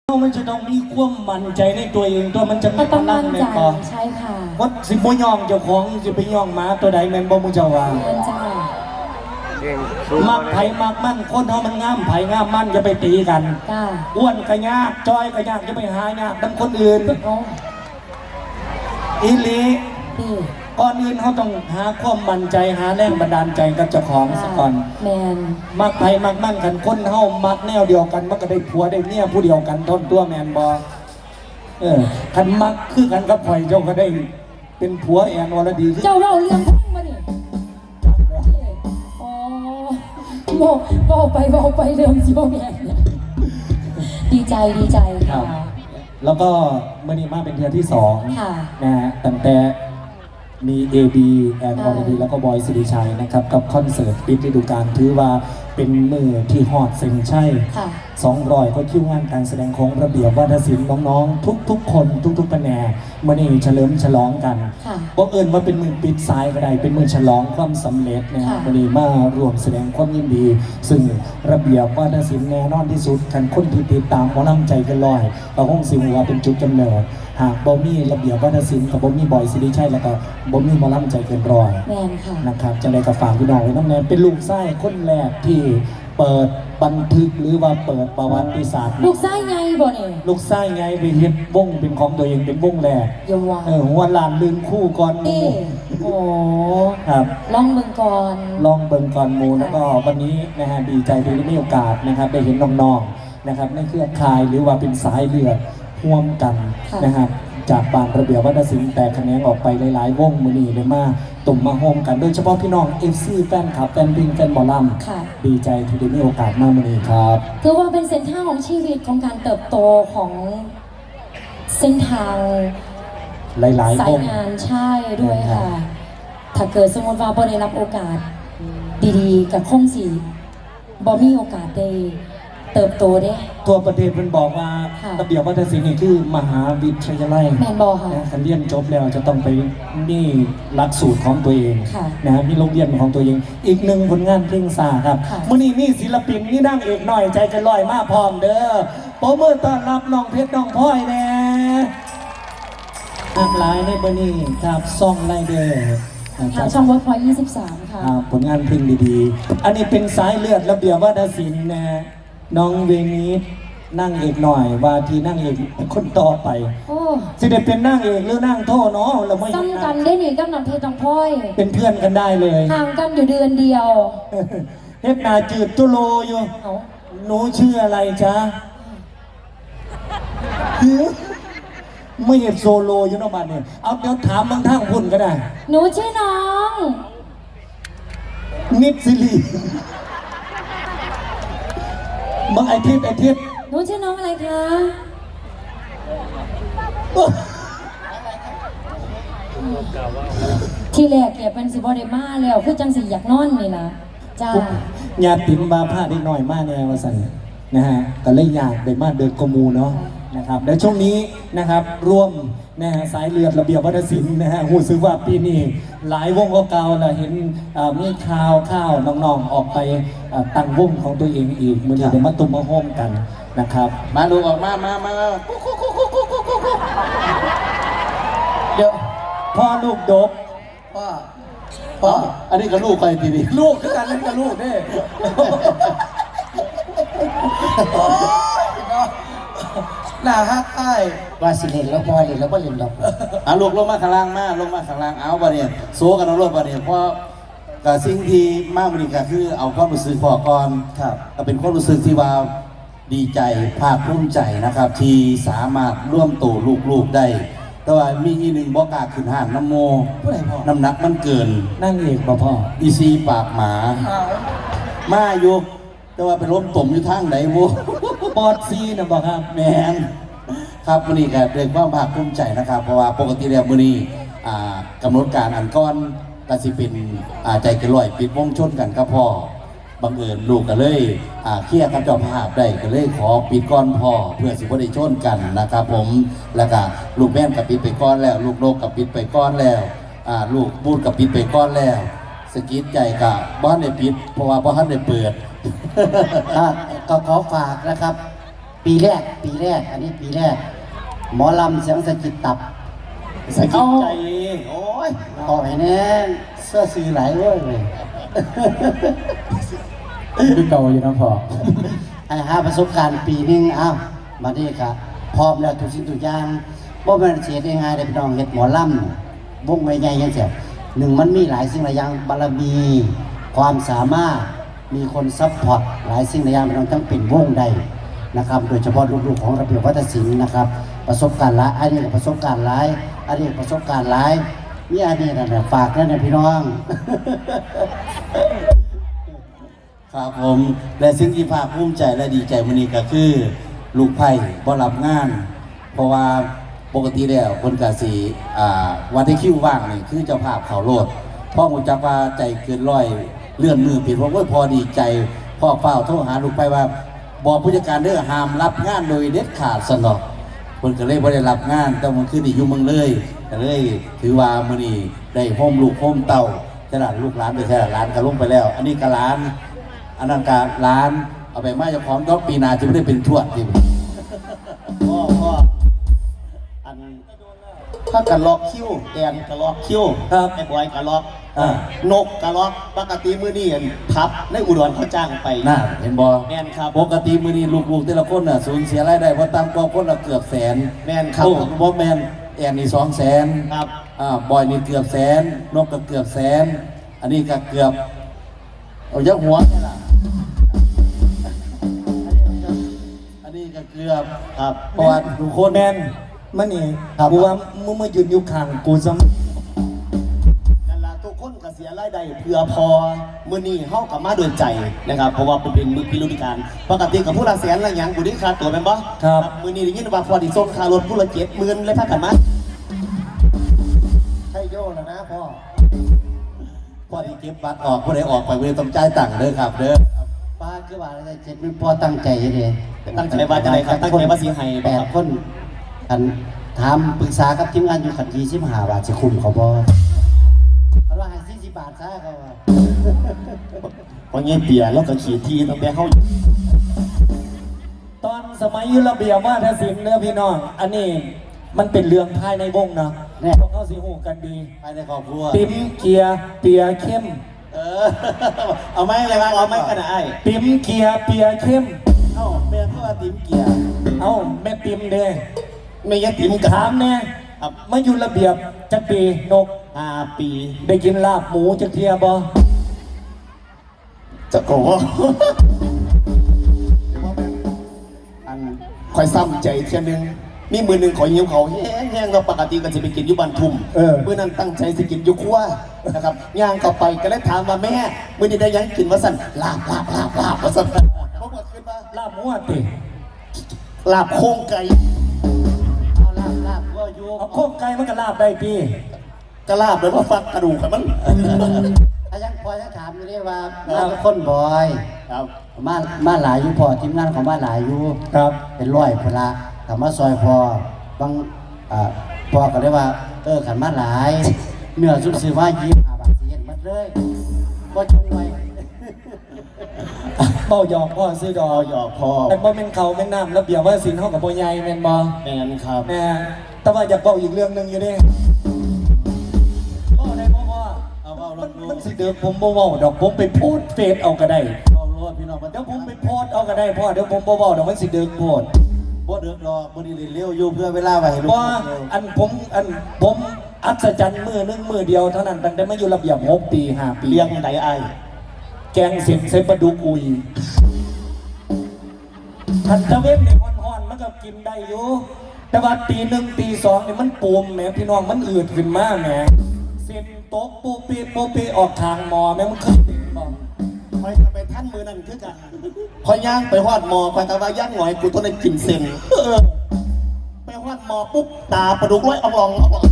มันจะต้องมีความมั่นใจในตัวเองตัวมันจะมีพลังในคอใช่ค่ะวัดสิบย่องเจ้าของสิไปย่องหมาตัวใดแม่นบ่มึงเจ้าว่ามักไผ่มักมั่นคนเขามันงามไผ่งามมั่นจะไปตีกันอ้วนกระยากจอยกระยากจะไปหายากดังคนอื่นอีลีก่อนอื่นเขาต้องหาความมั่นใจหาแรงบันดาลใจกับเจ้าของสักก่อนมักไผ่มักมั่นกันคนเขามักแนวเดียวกันมันก็ได้ผัวได้เมียผู้เดียวกันทนตัวแมนบอคันมักคือกันกับไผ่เจ้าก็ได้เป็นผัวแอนวรดีเจ้าเล่าเรื่องพุ่งมาดิอ๋อบอกไปเรื่องสิบอกแม่ดีใจค่ะแล้วก็เมื่อนี้มาเป็นเทือที่2นะฮะตั้งแต่มี AB แอนอรดีแล้วก็บอยสิริชัยนะครับกับคอนเสิร์ตปิดฤดูกาลถือว่าเป็นมือที่ฮอดเซ็งใช่200ก็คิวงานการแสดงของระเบียบวัฒนศิลป์น้องๆทุกคนทุกแผนกเมื่อนี้เฉลิมฉลองกันเพราะเอิญว่าเป็นมือปิดสายก็ได้เป็นมือฉลองความสำเร็จนะครับวันนี้มารวมแสดงความยินดีซึ่งระเบียบวัฒนศิลป์แน่นอนที่สุดกันคนที่ติดตามหมอลำใจกันลอยเราคงสิว่าเป็นจุดกำเนิดหากบ่มีระเบียบวัฒนศิลป์กับบ่มีบอยสิริชัยแล้วก็บ่มีหมอลำใจเกินร้อยนะครับจะได้กับฝากพี่น้องไว้น้ำแน่เป็นลูกไส้คนแรกที่เปิดบันทึกหรือว่าเปิดประวัติศาสตร์ลูกไส้ไงบ่เนี่ยลูกไส้ไงไปเฮ็ดวงเป็นของตัวเองเป็นวงแรกหัวลานลืมคู่ก่อนมูโอ้ครับลองเบิ่งก่อนมูแล้วก็วันนี้นะฮะดีใจที่ได้มีโอกาสนะครับได้เห็นน้องๆนะครับในเครือข่ายหรือว่าเป็นสายเลือดร่วมกันนะครับจากบานระเบียบวัฒนศิลป์แต่คะแนนออกไปหลายๆวงมือนี้เลยมาตุ่มมาโฮมกันโดยเฉพาะพี่น้อง FC แฟนคลับแฟนบิงแฟนบอลลัมดีใจที่ได้มีโอกาสมามือนี้ครับคือว่าเป็นเส้นทางของชีวิตของการเติบโตของเส้นทางหลายๆสายงานใช่ด้วยค่ะถ้าเกิดสมมติว่าบ่ได้รับโอกาสดีๆกับคงสีบ่มีโอกาสได้เติบโตได้ตัวประเทศมันบอกว่าระเบียบวัฒนศิลป์นี่คือมหาวิทยาลัยแมนบอค่ะการเรียนจบแล้วจะต้องไปมีหลักสูตรของตัวเองนะมีโรงเรียนของตัวเองอีกหนึ่งผลงานเพลงสาครับมื่อนี้มีศิลปินนี่นั่งเอกหน่อยใจจะลอยมาพร้อมเด้อโปรโมทต้อนรับน้องเพชรน้องพลอยแน่หลากหลายในวันนี้ครับซ่องไล่เด้อทางช่องเวิร์คพอยต์23ค่ะผลงานเพลงดีๆอันนี้เป็นสายเลือดระเบียบวัฒนศิลป์นะน้องเวนี้นั่งเอกหน่อยว่าที่นั่งเอกคนต่อไปสิเด็ดเป็นนั่งเอกหรือนั่งโทเนาะเราไม่ซ้ำกันได้หนิกับน้ำเพชรน้องพลอยเป็นเพื่อนกันได้เลยห่างกันอยู่เดือนเดียวเฮ็ดนาจืดตุโลอยู่หนูชื่ออะไรจ๊ะไม่เห็นโซโลอยู่นอกบ้านเนี่ยเอาเดี๋ยวถามบางท่างพุ่นก็ได้หนูชื่อน้องนิดสิริบางไอทิพย์หนูชื่อน้องอะไรคะที่แรกเนี่ยเป็นสิบอดมาแล้วคือจังสีอยากนอนนี่นะจ้าญาติบาผ้าได้หน่อยมากแน่วาสันนะฮะแต่เลยอยากได้มาเดินกมูเนาะนะครับและช่วงนี้นะครับร่วมนะฮะสายเลือดระเบียบวัฒนศิลป์นะฮะหูซื้อว่าปีนี้หลายวงเก่าๆเราเห็นมีข่าวน้องๆออกไปตั้งวงของตัวเองอีกมือนี้เดี๋ยวมาตุ่มมาโฮมกันนะครับมาลูกออกมาเดี๋ยวพ่อลูกดกพ่ออันนี้ก็ลูกไปทีนี้ลูกคือการเล่นกับลูกเด้หน้าฮักไอ้ว่าสิเล่นแล้วพอเล่นแล้วก็เล่นดอกลูกลงมาข้างล่างลงมาข้างล่างเอาบ่เนี่ยโซกันเอารถบ่เนี่ยเพราะกับสิ่งที่มากมันก็คือเอาความรู้สึกพอก่อนครับก็เป็นความรู้สึกที่ว่าดีใจภาคภูมิใจนะครับที่สามารถร่วมโตลูกได้แต่ว่ามีอีหนึ่งบอกล้าขึ้นห้านน้ำโมน้ำหนักมันเกินนั่งเอกพ่ออีซีปากหมามาอยู่แต่ว่าไปล้มต่มอยู่ทางไหนโว้ปอดซีนะบอกครับแมนครับมื้อนี้ก็ด้วยความภาคภูมิใจนะครับเพราะว่าปกติแล้วมื้อนี้กำหนดการอันก้อนก็สิเป็นใจเกินร้อยปิดวงชนกันกับพ่อบังเอิญลูกก็เลยเคลียร์กับเจ้าภาพได้ก็เลยขอปิดก้อนพ่อเพื่อสิบ่ได้ชนกันนะครับผมแล้วก็ลูกแม่นกับปิดไปก้อนแล้วลูกนกกับปิดไปก้อนแล้วลูกบูดกับปิดไปก้อนแล้วสกิดใจกับบ้านได้ปิดเพราะว่าบ้านได้เปิดก็ขอฝากนะครับปีแรก อันนี้ปีแรก หมอลำเสียงสะกิดตับสะกิดใจโอ้ยต่อไปแน่เสื้อซื้อหลายเว้ยเลยคือเก่าอยู่นะพ่อไอ้หาประสบการณ์ปีหนึงอ้าวมาดีครับพร้อมแล้วทุกสิ่งทุกอย่างบ่แม่นเสียได้ง่ายได้พี่น้องเฮ็ดหมอลำวงใหญ่ๆจังซี่หนึ่งมันมีหลายสิ่งหลายอย่างบารมี ความสามารถมีคนซัพพอร์ตหลายสิ่งหลายอย่างพี่น้องทั้งเป็นวงใดนะครับโดยเฉพาะลูกๆของระเบียบวัฒนศิลป์นะครับประสบการณ์หลายอันนี้ก็ประสบการณ์หลายอันนี้ประสบการณ์หลายมีอันนี้นะฝากนั่นนะพี่น้องครับผมและสิ่งที่ภาคภูมิใจและดีใจมื้อนี้ก็คือลูกไผ่บ่รับงาน เพราะว่าปกติแล้วคนกะสีวันที่คิวว่างนี่คือเจ้าภาพเขาโลดพ่อหูจักว่าใจเกินร้อยเลื่อนมือผิดเพราะว่าพอดีใจพ่อเฝ้าโทรหาลูกไผ่ว่าบอกผู้จัดการเด้อห้ามรับงานโดยเด็ดขาดสนอกคนก็เลยบ่ได้รับงานแต่มันคือนี่อยู่เมืองเลยก็เลยถือว่ามื้อนี้ได้โฮมลูกโฮมเต้าขนาดลูกหลานไปแค่หลานก็ลงไปแล้ว อันนี้ก็หลานอันนั้นก็หลานเอาไปมาเจ้าของก็ปีหน้าจะไม่ได้เป็นทวดที่พ่ออันถ้ากระลอกคิ้วแอนกระลอกคิ้วครับไอ้บอยกระลอกนกกระลอกปกติมื้อนี้พับในอุดรเขาจ้างไปน่าเห็นบ่แม่นครับปกติมื้อนี้ลูกๆแต่ละคนน่ะสูญเสียรายได้เพราะตามกองคนละเกือบแสนแม่นครับโอ้บ่แม่นแอนนี่200,000 ครับบอยนี่เกือบแสนนกก็เกือบแสนอันนี้ก็เกือบเอายักหัวนี่ล่ะอันนี้ก็เกือบครับเพราะว่าทุกคนแมนมันนี่กูว่ามึงมายืนอยู่ข้างกูซ้นั่นล่ะทุกคนก็เสียรายได้เพื่อพอมื้อนี้เฮากับมาด้วยใจนะครับเพราะว่าเป็นมื้อพิรุธการปกติกับผู้ละแสนละหยังกูได้ค่าตัวแม่นบ่มื้อนี้ได้ยินว่าพอได้ส่งค่ารถผู้ละ70,000เลยพากันมาใช่โย่แล้วนะพ่อพอที่เก็บบัตรออกผู้ใดออกไปผู้ใดต้องจ่ายตังค์เด้อครับเด้อป้าคือว่าอะไรเจ็ดมันพ่อตั้งใจยังไงตั้งใจว่าจะได้ครับตั้งใจว่าสิให้แปบ่คดรับคนอันถามปรึกษากับทีมงานอยู่ขัน25 บาทจะคุ้มเขาบ่เขาว่าให้40 บาทซะเขาว่าเพราะเงี้ยเปียแล้วก็ขี่ทีตั้งแต่เฮาำตอนสมัยอยุระเบียบว่าทศิลป์เนื้อพี่น้อง อันนี้มันเป็นเรื่องภายในวงนะพวกเขาสิหูกันดีภายในครอบครัวติ๋มเกียร์เปียเข้มเอาไหมอะไรบ้างเอาไหมกันนะไอ้ติ๋มเกียร์เปียเข้มเอ้าแม่เพื่อติ๋มเกียร์เอ้าแม่ติ๋มเด้ไม่ยัดติ๋มกับถามแน่มาอยู่ระเบียบจักปีนก 5 ปีได้กินลาบหมูจักเทียบ่จะโกอันคอยซ้ำใจเทียนึงมีมือหนึ่งขอยิ้มเขาแห้งๆเราปกติก็จะไปกินอยุบันทุ่มมือนั้นตั้งใจจะกินอยุครัวนะครับย่างเข้าไปก็เลยถามว่าแม่มือนี้ได้ยังกินว่าสั่นลาบว่าสั่นเขาบอกขึ้นมาลาบหมูอะติลาบโค้งไก่เอาลาบก็อยู่เอาโคกไก่มันก็ลาบได้พี่กระลาบแล้วก็ฟักกระดูกครับมันอายังพอจะถามอยู่ได้ว่ามาทุกคนบ่อยครับมาหลายอยู่พอทีมงานของมาหลายอยู่ครับเป็นร้อยพละถามมาซอยพอบางพอก็เลยว่าขันมาหลายเนื้อสุดซื้อว่า25 บาทสิเห็นหมดเลยก็จงไว้เบ้าหยอกพ่อซื้อดอเอาหยอกพอแต่บ่แม่นเขาแม่นน้ำระเบียบว่าสินเฮากับบ่ใหญ่แม่นบ่แมนครับแม่แต่ว่าอยากเว้าอีกเรื่องหนึงอยู่เด้บ่ได้บ่ว่าเอาเว้าลมันงมันสิเดิมผมบ่เว้าดอกผมไปโพสต์เฟซเอาก็ได้เอาโลดพี่น้องมันเดี๋ยวผมไปโพสต์เอาก็ได้พ่อเดี๋ยวผมบ่เว้าดอกมันสิเดิมโพสต์บ่เดือดรอมื้อนี้เร็วอยู่เพื่อเวลาไว้ให้ลูกว่าผมอัศจรรย์มือหนึงมือเดียวเท่านั้นตั้งแต่มาอยู่ระเบียบ6 ปี5 ปีเลี้ยงไดไอแกงเสร็จใส่ปลาดุกอุยทันตะเวนนี่ฮ้อนๆมันก็กินได้อยู่แต่ว่าตี 1 ตี 2นี่มันปูมแหมพี่น้องมันอืดขึ้นมาแหมเส้นโต๊ะปูปีออกทางหมอแม่มันเคยเป็นบ่คอยไปท่านมือนั่นคือกันคอยย่างไปฮอดหมอคอยตะว่าย่างหน่อยกูต้องได้กินเส้นไปฮอดหมอปุ๊บตาประดุกร้อยเอาบอง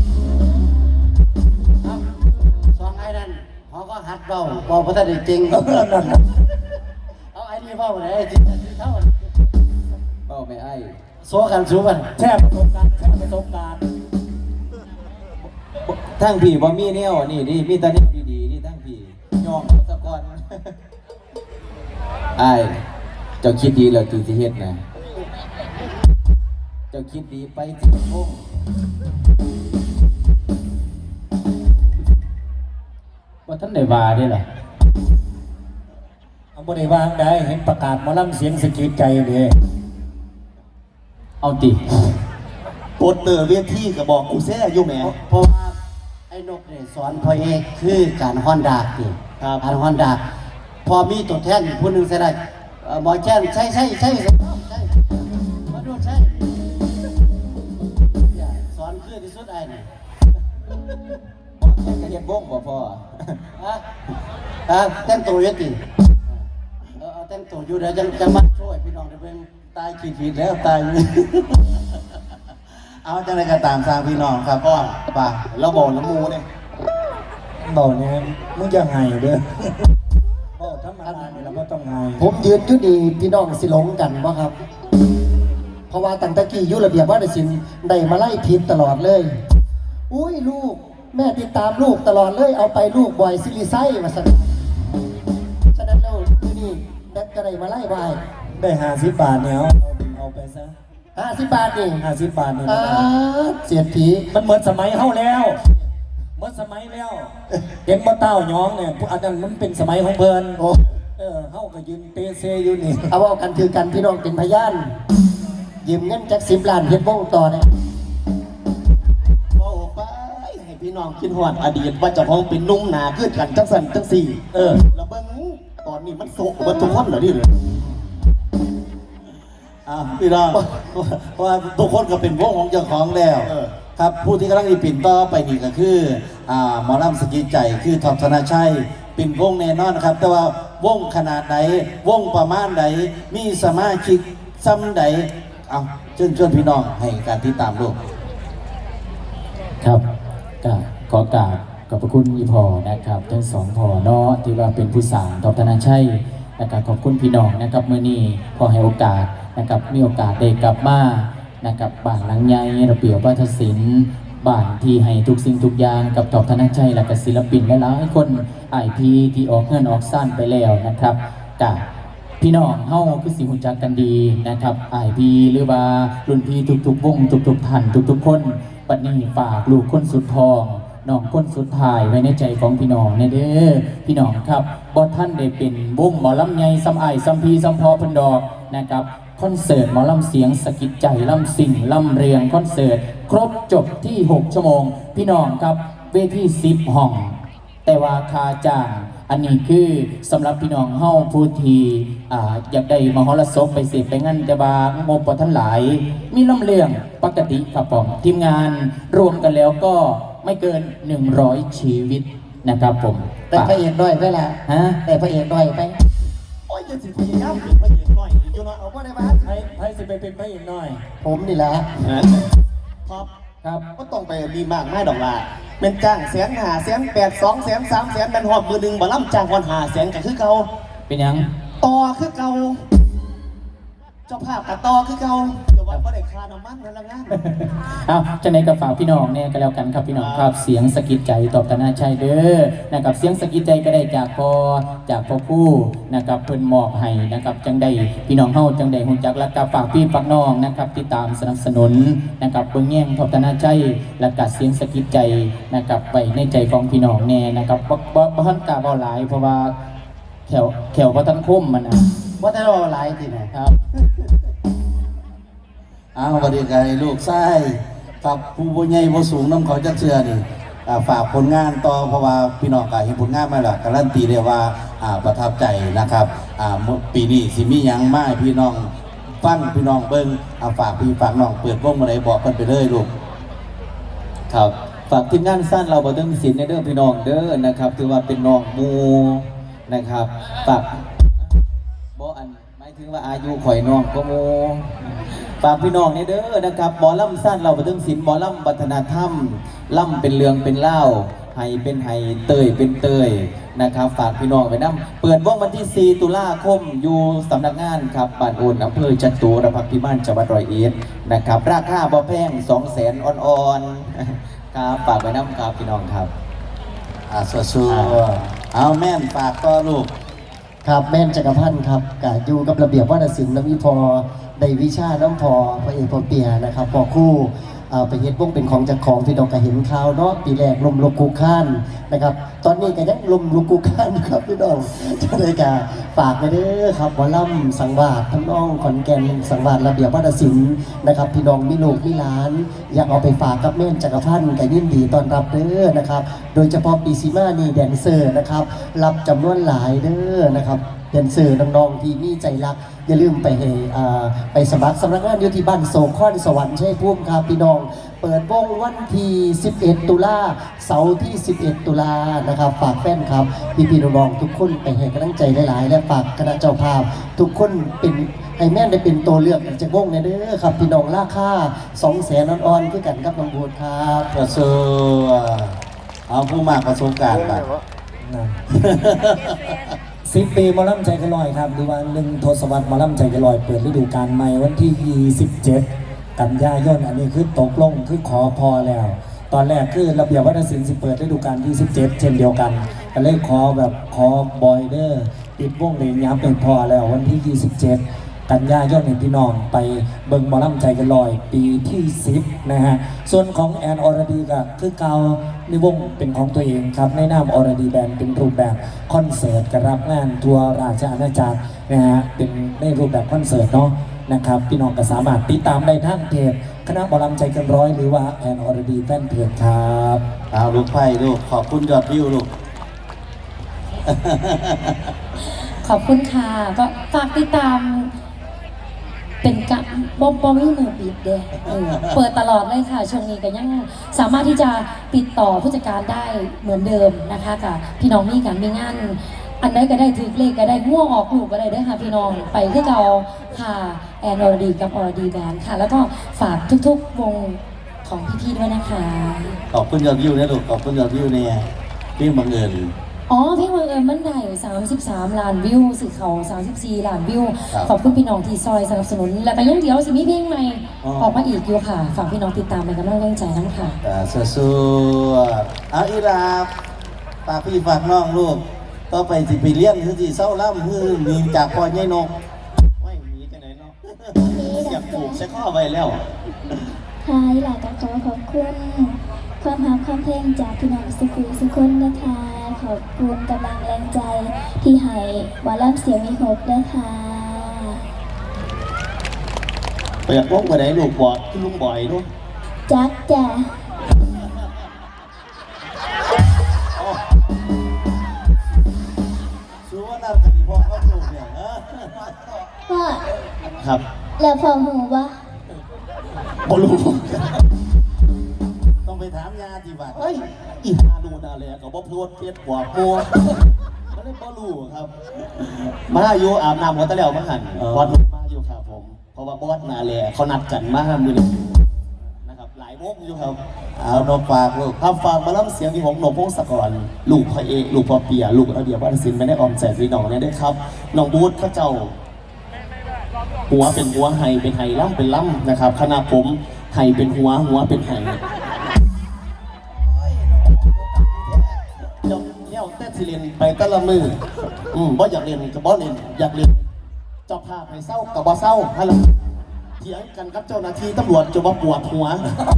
สองไอ้นั่นเขาก็หัดเบาบอกพระท่านจริงนั่นน่ะเอาไอ้นี่เบาไหนไอ้จริงเท่าเป้าไม่ไอ้โซกันสู้กันแช่ประสบการณ์ทั้งพี่บ่มีแนวนี่มีแต่แนวดีๆนี่ทั้งพี่ยอมเอาซะก่อน อ้ายเจ้าคิดดีแล้วที่สิเฮ็ดนะจ้าคิดดีไปจิตพงว่าท่านได้ว่าได้ล่ะเอาบ่ได้วางได้เห็นประกาศหมอลำเสียงสะกิดใจเด้เอาติโปสเตอร์เวทีก็บอกกูแซ่อยู่แหมเพราะว่าไอ้นกเนี่ยสอนพ่อเอกคือการฮ้อนดากนี่ครับการฮ้อนดากพอมีตัวแทนผู้หนึงเสียได้หมอแจ้งใช่มาดูใช่สอนคือที่สุดไอ้นี่บ่แค่กระเฮ็ดวงบ่พอแต่งตัวอยัติเอาแต่งตัวอยู่เดี๋ยวจะมาช่วยพี่น้องได้เพิ่งตายขีดแล้วตาย เอาจังไรก็ตามสร้างพี่น้องครับพ่อป่าเราบอกน้ำมูเนี่ยบอกเนี่ยมึงจะไห้เด้อบอกธรรมดาเนี่ยเราก็ต้องไห้ผมยืนอยู่ดีพี่น้องสิหลงกันบ่ครับ เพราะว่าตั้งแต่กี้อยู่ระเบียบว่าได้สินได้มาไล่ผิดตลอดเลย อุ้ยลูกแม่ติดตามลูกตลอดเลยเอาไปลูกบ่อยซิลิไซมาสั่นฉะนั้นแล้วที่นี่แบทก็ได้มาไล่บ่ายได้50 บาทเนี่ยเอาไปซะ 50 บาทนี่ 50 บาทเนี่ยเสียทีมันเหมือนสมัยเฮาแล้วเหมือนสมัยแล้วเห็นบ่เต้าย้องเนี่ยพวกอันนั้นมันเป็นสมัยของเพิ่นโอ้เฮาก็ยืนเตเซอยู่นี่เอาเอากันคือกันพี่น้องเป็นพยานยืมเงินจาก10 ล้านเฮ็ดวงต่อเนี่ยบอกไปให้พี่น้องคิดฮอดอดีตว่าเจ้าของเป็นนุ่มหนาขึ้นกันจังสันจังสี่แล้วเบิ่งตอนนี้มันโศกเบิดทุกคนเหรอนี่เลยพี่น้องเพราะว่าทุกคนก็เป็นวงของเจ้าของแล้วครับผู้ที่กำลังอีปิ่นต่อไปนี่ก็คือหมอลำสกีใจคือทอมธนาชัยเป็นวงแน่นอนนะครับ แต่ว่าวงขนาดไหนวงประมาณไหนมีสมาชิกซ้ำใดเอาเชิญพี่น้องให้การติดตามลูกครับก็ขอกราบขอบพระคุณอีพอนะครับทั้งสองพอเนาะที่ว่าเป็นผู้สานทอมธนาชัยนะครับขอบคุณพี่น้องนะครับมื้อนี้พอให้โอกาสนะครับมีโอกาสได้กลับมานะครับบ้านหลังใหญ่ระเบียบวัฒนศิลป์บ้านที่ให้ทุกสิ่งทุกอย่างกับทอมธนาชัยและก็ศิลปินหลายๆคนIPที่ออกเงินออกซ่านไปแล้วนะครับกับพี่น้องเฮาคือสิรู้จักกันดีนะครับ IP หรือว่ารุ่นพี่ทุกๆวงทุกๆท่านทุกๆคนบัดนี้ฝากลูกคนสุดทองน้องคนสุดท้ายไว้ในใจของพี่น้องแน่เด้อพี่น้องครับบ่ท่านได้เป็นวงหมอลำใหญ่ซ้ำอ้ายซ้ำพี่ซ้ำพอเพิ่นดอกนะครับคอนเสิร์ตหมอลำเสียงสะกิดใจลำสิ่งลำเรียงคอนเสิร์ตครบจบที่6ชั่วโมงพี่น้องครับเวที10ห้องแต่ว่าค่าจ้างอันนี้คือสำหรับพี่น้องเฮาผู้ที่อยากได้มหรสพไปเสพไปงั้นแต่ว่างบบ่ทันหลายมีลำเลียงปกติครับผมทีมงานรวมกันแล้วก็ไม่เกิน100ชีวิตนะครับผมแต่พระเอกด้อยไปละฮะแต่พระเอกด้อยไปโอ้ยจะสิพยายามเป็นพระเอกหน่อยอยู่เนาะเอาบ่ได้มาให้สิไปเป็นพระเอกหน่อยผมนี่แหละครับครับก็ต้องไปมีมากไม่ดอกล่ะเป็นจ้าง1,500,000 800,000 200,000 300,000เป็นหอบมือหนึ่งบ่ล่ำจ้างวัน500,000ก็คือเก่าเป็นยังต่อคือเก่าเจ้าภาพกับต่อคือเก่าเดี๋ยววันก็ได้ค่าน้ำมันนั่นละงานเอาจะในกระฝากพี่น้องเนี่ยก็แล้วกันครับพี่น้องครับเสียงสะกิดใจตอบตนาชัยเด้อนะครับเสียงสะกิดใจก็ได้จากพ่อผู้นะครับเพิ่นมอบให้นะครับจังได้พี่น้องเฮาจังได้ฮู้จักและก็ฝากพี่ฝากน้องนะครับติดตามสนับสนุนนะครับเบิ่งแย่งตอบตนาชัยและก็เสียงสะกิดใจนะครับไปในใจของพี่น้องแน่นะครับบ่ทันกล้าเว้าหลายเพราะว่าแขวบ่ทันคมมันนะว่าแต่เราหลายทีไหนครับสวัสดีครับลูกไส้ครับผู้ใหญ่ผู้สูงน้ำเขาจะเชื่อนี่ฝากผลงานต่อเพราะว่าพี่น้องก็เห็นผลงานมาแล้วการันตีได้ว่าประทับใจนะครับปีนี้สิมีหยังมาให้พี่น้องฟังพี่น้องเบิ้งฝากพี่ฝากน้องเปิดวงมาไหนบอกกันไปเลยลูกครับฝากทีมงานสั้นเราบ่เดิมศิลป์ในเด้อพี่น้องเด้อนะครับถือว่าเป็นน้องหมูนะครับฝากบ่อันหมายถึงว่าอายุข่อยน้องก็หมูฝากพี่น้องในเด้อนะครับหมอลำสั้นเราบ่เดิมศิลป์หมอลำวัฒนธรรมล่ำเป็นเรื่องเป็นเล่าไห้เป็นไห้เตยเป็นเตยนะครับฝากพี่น้องไปนำเปิดวงวันที่4ตุลาคมอยู่สำนักงานครับบ้านโอนอำเภอจตุรพักษ์พิมานจังหวัดร้อยเอ็ดนะครับราคาบ่แพง 200,000 อ่อนๆครับฝากไปนำครับพี่น้องครับสู้ๆเอาแม่นฝากต่อลูกครับแม่นจักรพันธ์ครับกะอยู่กับระเบียบวัฒนศิลป์น้ำอีพอได้วิชาน้ำพอพระเอกพอเปียนะครับพอคู่ไปเฮ็ดวงเป็นของจากของพี่น้องก็เห็นข่าวเนาะปีแรกลมลุกคุกข้านนะครับตอนนี้ก็ยังลมลุกคุกข้านครับพี่น้องจะได้กะฝากไปเด้อครับหมอลำสังวาสทั้งน้องขอนแก่นสังวาสระเบียบวัฒนศิลป์นะครับพี่น้องมีลูกมีหลานอยากเอาไปฝากกับแม่นจักรพันธ์ก็ยินดีต้อนรับเด้อนะครับโดยเฉพาะปีซีมานี่แดนเซอร์นะครับรับจำนวนหลายเด้อนะครับแดนเซอร์น้องๆที่มีใจรักอย่าลืมไปสมัครสำนักงานอยู่ที่บ้านโศกข้อนสวรรค์ชัยภูมิครับพี่น้องเปิดวงวันที่11 ตุลาเสาร์ที่11 ตุลานะครับฝากแฟนครับพี่ๆน้องๆทุกคนไปให้กำลังใจหลายๆและฝากคณะเจ้าภาพทุกคนเป็นให้แม่นได้เป็นตัวเลือกจากวงในเด้อครับพี่น้องราคา200,000อ่อนๆคือกันครับน้องบูดครับประสบเอาผู้มากประสบการณ์ไป 10 ปีหมอลำใจกระลอยครับหรือว่า1 ทศวรรษหมอลำใจกระลอยเปิดฤดูกาลใหม่วันที่ 27 กันยายนอันนี้คือตกลงคือขอพอแล้ว ตอนแรกคือระเบียบวัฒนศิลป์สิเปิดฤดูกาลที่ 17 เช่นเดียวกันก็เลยขอบอยเดอร์ปิดวงเลยย้ำเป็นพอแล้ววันที่ 27 กันยายนเห็นพี่น้องไปเบิ่งหมอลำใจกันลอยปีที่ 10 นะฮะส่วนของแอนอรดีก็คือเก่าในวงเป็นของตัวเองครับในนามอรดีแบนด์เป็นรูปแบบคอนเสิร์ตกรับงานทัวร์ราชอาณาจักรนะฮะเป็นในรูปแบบคอนเสิร์ตเนาะนะครับพี่น้องก็สามารถติดตามได้ทางเพจคณะหมอลำใจเกันร้อยหรือว่าแอนอรดีแฟนเพจครับเอาลูกไผ่ลูกขอบคุณยอดวิวลูกขอบคุณค่ะก็ฝากติดตามเป็นกะบอมมี่มือปิดเด้เปิดตลอดเลยค่ะช่วงนี้ก็ยังสามารถที่จะติดต่อผู้จัดการได้เหมือนเดิมนะคะกับพี่น้องมีการมีงานอันใดก็ได้ถือเลขก็ได้ง่วงออกลูกก็ได้ด้วยค่ะพี่น้องไปที่เราค่ะแอนอรดีกับอรดีแบนด์ค่ะแล้วก็ฝากทุกๆวงของพี่ๆด้วยนะคะขอบคุณยอดวิวนะลูกขอบคุณยอดวิวเนี่ยพี่บังเอิญอ๋อเพลงบังเอิญมันได้33 ล้านวิวสื่อเขา34 ล้านวิวครับขอบคุณพี่น้องที่ซอยสนับสนุนแล้วก็ยังเดี๋ยวสิมีเพลงใหม่อ๋อออกมาอีกอยู่ค่ะฝากพี่น้องติดตามเป็นกำลังใจทั้งค่ะสู้ๆเอาอีลาฝากพี่ฝากน้องลูกต่อไปสิไปเลี้ยงคือสิเศร้าล่ำคือหนีจากพ่อใหญ่นกไม่หนีกันไหนเนาะ อยากปลูกใช้ข้อไว้แล้วค่ะอีหลาก็ขอขอบคุณความหาความเพลงจากพี่น้องสุขุนนะคะขอบคุณกำลังแรงใจที่ให้วาล่ำเสียงมีหกนะคะไปอยากลงไปไหนลูกบอดขึ้นลุงบ่อยด้วยจักจ้ะสู้ว่าน้ำกะทิพ่อเขาปลูกเนี่ยเออพ่อครับแล้วพ่อหูวะบอลูต้องไปถามยาที่บ้านเฮ้ยอีฮาดูนาเลยกับบอพูดเพี้ยนหัวโมไม่ได้บอลูครับ มาอยู่อาบน้ำหัวตะเหลวมาหันบอสมาอยู่ครับผมเพราะว่าบอสนาเลยเขานัดกันมามือหนึ่งนะครับหลายโมงอยู่ครับเอานกฝากลูกถ้าฟังมาล่ำเสียงที่ผมหนกพงศกรลูกพระเอกลูกพ่อเปียลูกระเบียบวัฒนศิลป์ไม่ได้ออมแสนพี่น้องเนี่ยด้วยครับน้องบูธเขาเจ้าหัวเป็นหัวไห้เป็นไห้ล่ำเป็นล่ำนะครับคณะผมไห้เป็นหัวเป็นไห้เดี๋ยวเนี่ยเต้นสิเรียนไปแต่ละมือบ่อยากเรียนกับบ่เรียนอยากเรียนเจ้าภาพให้เศร้ากับบ่เศร้าฮัลโหลเถียงกันกับเจ้าหน้าที่ตำรวจจนว่าปวดหัว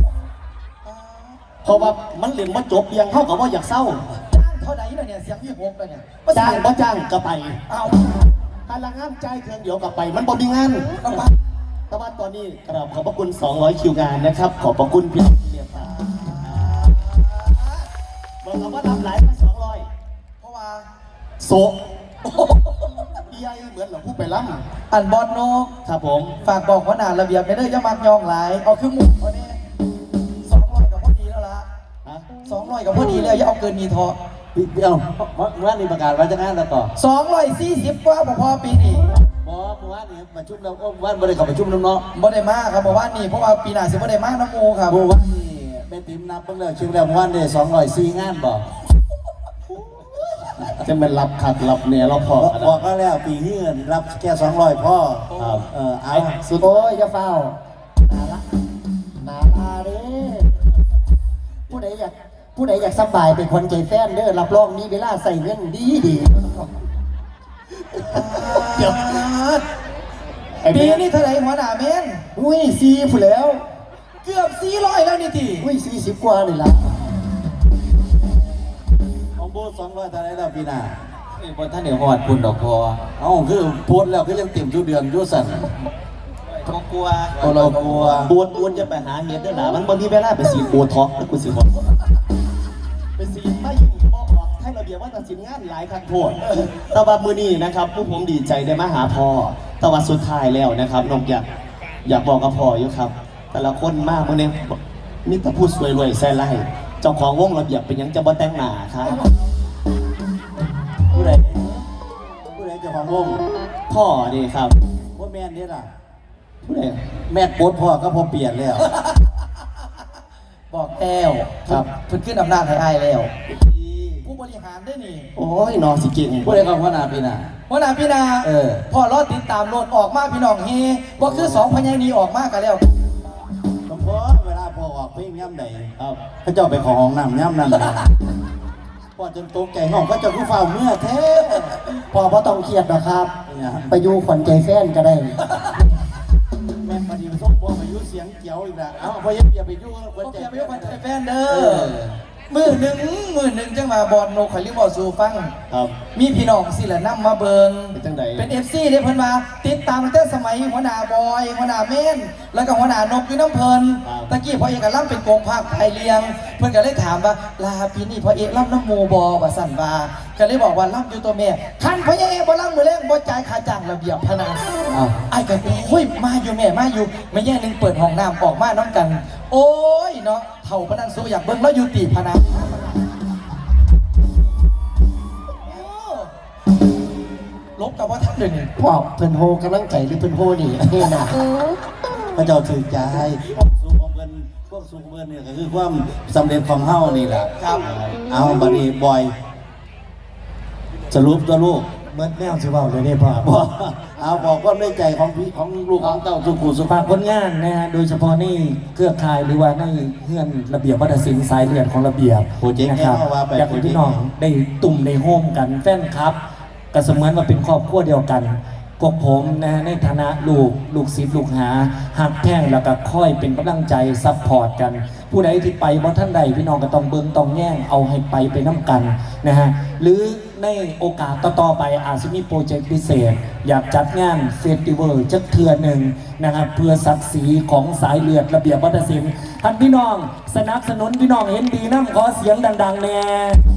เพราะว่ามันเรียนว่าจบยังเข้ากับว่าอยากเศร้าจ้างเท่าไหร่ล่ะเนี่ยเสียงพี่หกเลยเนี่ยจ้างบ่จ้างก็ไปเอาถ้าละงานใจายเครื่องเดียวก็ไป มันบ่มีงานแต่ว่าตอนนี้กราบขอบพระคุณ200คิวงานนะครับ ขอบพระคุณพี่เรียบร้อยบอกเราว่าทำหลายมา200เพราะว่าโซเอียเหมือนเราพูดไปล้ำอันบอลโนกครับผมฝากบอกว่าหนาระเบียบไม่ได้จะมักยองหลายเอาคือหมุกเอาเนี่ย200กับพอดีแล้วล่ะฮะ 200กับพอดีแล้วอย่าเอาเกินมีทอเดี๋ยวเมื่อวานนี้ประกาศว่าจะงานแล้วต่อ 240กว่าบ่พอปีนี้เมื่อวานนี้ประชุมแล้วก็วันบริษัทประชุมน้องเนาะบ่ได้มาครับบ่ว่านี่เพราะว่าปีหน้าสิบ่ได้มาน้ำมูครับเมื่อวานนี้แม่ติ๋มนับเพิ่งแล้วชิมแล้วเมื่อวานนี้204งานบ่จะเป็นรับขัดรับเนี่ยเราพอบอกก็แล้วปีนี้เงินรับแค่200พ่อครับเอาสุดโอ้ยอย่าเฝ้านาละนาลาเด้ผู้ใดอยากสบายเป็นคนใจแฟนเด้อรับรองมีเวลาใส่เงินดีเดี๋ยวปีนี้เท่าไหร่หัวหน้าเมนอุ้ยซีผู้แล้วเกือบ400แล้วนี่ทีอุ้ย40 กว่านี่ละของโบ200เท่าไหรแล้วปีหน้าบนท่านเหนือหอดคุณดอกพอเอ้าคือโพสต์แล้วก็ยังเต็มทุกเดือนอยู่สั่นก็กลัวเรากลัวบวนจะไปหาเห็ดด้วยหล่ะมันบางทีเวลาไปสีดโบท็อกแล้วกูสิบอกไปสีดไม่อยู่บอกออกให้ระเบียบว่าตัดสินงานหลายครั้งโทษแต่ว่ามือนี้นะครับผู้ผมดีใจได้มาหาพ่อแต่ว่าสุดท้ายแล้วนะครับนกอยากบอกกับพ่ออยู่ครับ แต่ละคนมากมื่อนี้มีแต่พูดสวยรวยแซ่ไล่เจ้าของวงระเบียบเป็นหยังจะบ่แต่งหน้าครับผู้ใดเจ้าของวงพ่อนี่ครับว่าแม่นนี่ล่ะผู้ใดแม่โพสต์พ่อก็พอเปลี่ยนแล้วบอกแก้วครับเพิ่นขึ้นอำนาจให้อ้ายแล้ว ผู้บริหารได้นี่โอ้ยนอนสิเก่งผู้ใดก็หัวหน้าปีหน้าหัวหน้าพี่นาเออพ่อรอติดตามโลดออกมาพี่น้องเฮบ่คือ2พญานีออกมากันแล้วสมพรเวลาพ่อออกเพลงย่ำใดครับเขาเจ้าไปขอห้องน้ำย่ำนั่นนะพ่อจนตกใจห้องก็จะผู้เฝ้าเมื่อแท้พอบ่ต้องเครียดนะครับเนี่ยไปอยู่ขวัญใจแฟนก็ได้แม่พอดีส้มพ่อไปยุ่เสียงเกี่ยวอีกแล้วเอ้าพ่อยังอย่าไปยุ่งคนบ่ใจเกี่ยวไปกับแฟนเด้เอออมื้อหนึงจังมาบอลโนข่อยลิบอกสู่ฟังครับมีพี่น้องสิละนำมาเบิงเป็นจังใดเป็น FC เด้เพิ่นมาติดตามตั้งแต่สมัยหัวหน้าบอยหัวหน้าเม่นแล้วก็หัวหน้านกอยู่น้ำเพิ่นตะกี้พ่อเอกล่ำเป็นโกงภาคไทยเลียง เพิ่นก็เลยถามว่าลาปีนี้พ่อเอกล่ำน้ำหมูบอว่าสั่นว่าก็เลยบอกว่าล่ำอยู่ตัวแม่คันพ่อเอกบ่ล่ำมือแรงบ่จ่ายค่าจ้างระเบียบพะนาอ้าวไอ้ก็เฮ้ยมาอยู่แม่มาอยู่ไม่แย่หนึงเปิดห้องน้ำออกมาน้ำกัน โอ้ยเนาะเท่าปานนั้นสู้อยากเบิ่งแล้วอยู่ตีพะนาลบกับว่าท่านเลยนี่พ่อเพิ่นโฮกำลังใจหรือเพิ่นโฮนี่ให้นะพระเจ้าถือใจพวกสูงของเพิ่นเนี่ยก็คือความสำเร็จของเฮานี่แหละครับเอาบัดนี้บอยสรุปตัวลูกเมื่อแนวสิเว้าเลยเด้พ่อบอกเอาบอกความในใจของพี่ของลูกของเต้าสุขุสุฝาภาก พผลงานนะฮะโดยเฉพาะในเครือข่ายหรือว่าในเฮือนระเบียบวัฒนศิลป์สายเลือดของระเบียบโปรเจกต์นะครับแน่ว่าไปอยากให้พี่น้องได้ตุ่มในโฮมกันแฟนครับก็เสมือนว่าเป็นครอบครัวเดียวกันพวกผมนะฮะในฐานะลูกศิษย์ลูกหาหักแท่งแล้วก็ค่อยเป็นกำลังใจซัพพอร์ตกัน ผู้ใดที่ไปบ่ท่านใดพี่น้องก็ต้องเบิ่งต้องแย่งเอาให้ไปน้ำกันนะฮะหรือในโอกาสต่อๆไปอาจจะมีโปรเจกต์พิเศษ อยากจัดงานเฟสติวัลจักเทื่อหนึ่งนะครับเพื่อศักดิ์ศรีของสายเลือดระเบียบวัฒนศิลป์ท่านพี่น้องสนับสนุนพี่น้องเห็นดีน้ำขอเสียงดังๆแน่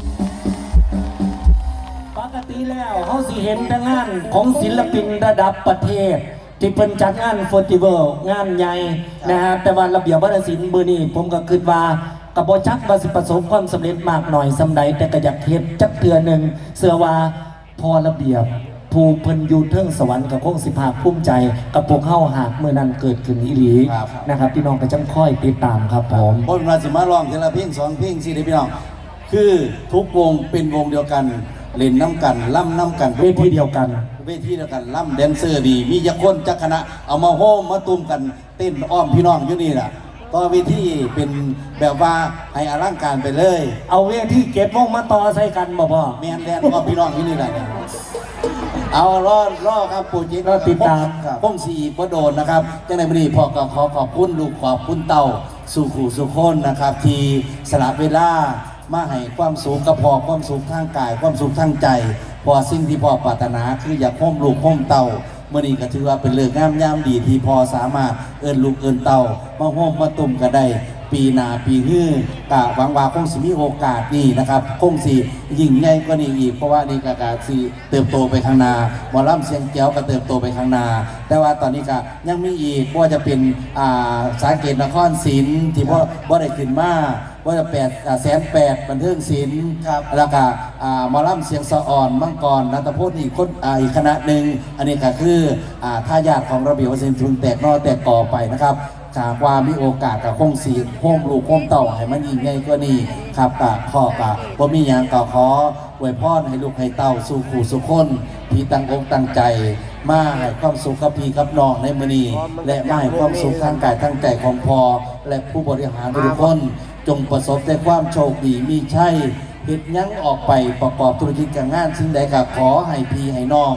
ปกติแล้วเขาสิเห็นแต่งานของศิลปินระดับประเทศ ที่เป็นจัดงานเฟสติวัลงานใหญ่นะฮะแต่ว่าระเบียบวัฒนศิลป์มื้อนี้ผมก็คิดว่ากับบ่จักว่าสิประสบความสำเร็จมากหน่อยสำใดแต่ก็อยากเฮ็ดจักเทื่อหนึ่งเชื่อว่าพอระเบียบผู้เพิ่นอยู่เทิงสวรรค์ก็คงสิภาคภูมิใจกับพวกเฮาหากมื้อนั้นเกิดขึ้นอีหลีนะครับพี่น้องก็จังค่อยติดตามครับผมบนราสิมาร้องทีละเพลงสองเพลงสิได้พี่น้องคือทุกวงเป็นวงเดียวกันเล่นน้ำกันล่ำน้ำกันเวทีเดียวกันเวทีเดียวกันล่ำแดนเซอร์ดี มีจักคนจักคณะเอามาโฮมมาตุ้มกันเต้นอ้อมพี่น้องอยู่นี่แหละต่อเวทีเป็นแบบว่าให้อลังการไปเลยเอาเวทีเก็บวงมาต่อใส่กันบ่พ่อแมนแดนอ้อมพี่น้องอยู่นี่แหละเอารอครับโปรเจกต์รอติดตามพงสีบ่โดนนะครับจังในวันนี้พ่อก็ขอขอบคุณลูกขอบคุณเต่าสู่ขู่สู่คนนะครับที่สละเวลามาให้ความสุขกับพ่อความสุขทางกายความสุขทางใจพอสิ่งที่พ่อปรารถนาคืออยากโฮมลูกโฮมเต่าเมื่อนี้ก็ถือว่าเป็นเรื่องงามยามดีที่พอสามารถเอิ้นลูกเอิ้นเต่ามาโฮมมาตุ่มก็ได้ปีหน้าปีฮื้อกะหวังว่าคงสิมีโอกาสนี่นะครับคงสิยิ่งใหญ่กว่านี้อีกเพราะว่านี่ก็สิเติบโตไปข้างหน้าหมอลำเสียงแก้วก็เติบโตไปข้างหน้าแต่ว่าตอนนี้ก็ยังมีอีกว่าจะเป็นสาเกตนครศรีที่บ่ได้ขึ้นมาว่าจะ800,000บันเทิงศิลป์แล้วก็หมอลำเสียงสะอ่อนมังกรนัตพจน์อีกคนอีกคณะหนึ่งอันนี้ก็คือท่ายาทของระเบียบวัฒนศิลป์ทุนแตกนอแตกก่อไปนะครับจากว่ามีโอกาสกับคงสีโฮมลูกโฮมเต่าให้มันยิ่งใหญ่กว่านี้ครับพ่อบ่มีหยังก็ขออวยพรให้ลูกให้เต่าสู่ขู่สู่คนที่ตั้งอกตั้งใจมาให้ความสุขกับพี่กับน้องในมื้อนี้และมาให้ความสุขทางกายทางใจของพ่อและผู้บริหารทุกคนจงประสบแต่ความโชคดีมีชัยเฮ็ดหยังออกไปประกอบธุรกิจการงานสิ่งใดก็ขอให้พี่ให้น้อง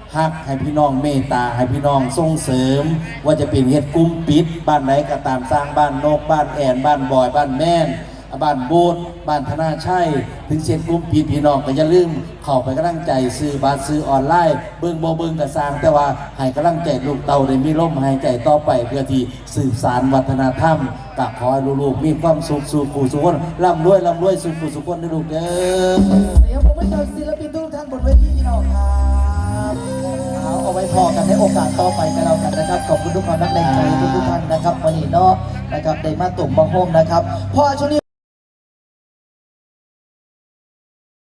ฮักให้พี่น้องเมตตาให้พี่น้องส่งเสริม ว่าจะเป็นเฮ็ดกลุ่มปิดบ้านไหนก็ตามสร้างบ้านนกบ้านแอนบ้านบอยบ้านแม่นบ้านโบสบ้านธนาชัยถึงเช็ดกลุ่มปิดพี่น้องก็อย่าลืมเข้าไปกำลังใจซื้อบัตรซื้อออนไลน์เบิ่งบ่เบิ่งก็สร้างแต่ว่าให้กำลังใจลูกเต่าได้มีลมหายใจต่อไปเพื่อที่สืบสานวัฒนธรรมกับขอให้ลูกๆมีความสุขสู่ผู้สุขคนร่ำรวยสู่ผู้สุขคนนะลูกเด้อเดี๋ยวผมไม่เจอศิลปินทุกท่านบนเวทีพี่น้องครับเอาไว้พอกันในโอกาสต่อไปกันแล้วกันนะครับขอบคุณทุกความรักแรงใจทุกท่านนะครับวันนี้เนาะนะครับได้มาตุ่มมาโฮมนะครับพอช่วงนี้